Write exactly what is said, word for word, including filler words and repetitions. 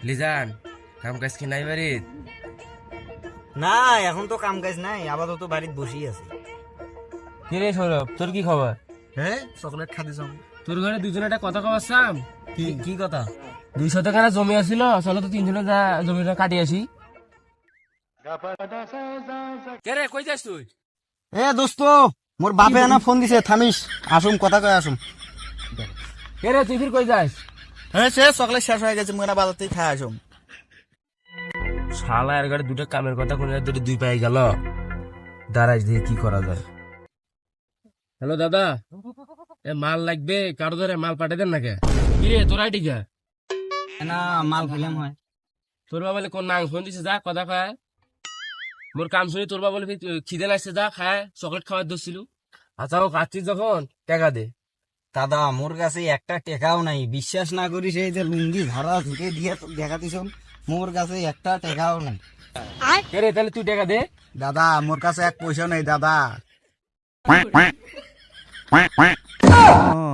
Legion কাম কাজ কি নাই বাড়িত? না এখন তো কাম কাজ নাই, আপাতত বাড়িতে বসেই আছি। কি রে সৌরভ, তোর কি খবর? হ্যাঁ, চকলেট খাতে যাও। তোর ঘরে দুজনে একটা কথা কবার চাম। কি কি কথা? দুই শতকানা জমি আছিল, চলো তো তিনজনে যা জমিটা কাটি আসি। কে রে, কই যাস তুই? এ দোস্ত, মোর বাপে আনা ফোন দিছে, থামিস আসুম, কথা কয়ে আসুম। কে রে, তুই ফির কই যাস? হ্যাঁ সে চকলেট শেষ হয়ে গেছে, মোরা বাজার থেকে খাই আসুম। শালা এর ঘরে দুটো কামের কথা কোন দুটো দুই পাই গেল। দাঁড়াইস দিয়ে কি করা যায়। হ্যালো দাদা, এ মাল লাগবে, কারো ধরে মাল পাঠিয়ে দেন নাকি? কি রে তোর আইডি কে? না মাল খেলাম হয়। তোর বাবা বলে কোন নাং ফোন দিছে, যা কথা খায়। মোর কাম শুনি তোর বাবা বলে খিদে লাগছে, যা খায়, চকলেট খাওয়ার দোষছিল। আচ্ছা ও খাচ্ছিস যখন টাকা দে। দাদা মোর কাছে একটা টেকাও নাই, বিশ্বাস না করিস এই যে লুঙ্গি ধারা ঝুঁকে দিয়ে দেখাতিস, মোর কাছে একটা টেকাও নাই। কে রে, তাহলে তুই টাকা দে। দাদা মোর কাছে এক পয়সা নেই দাদা।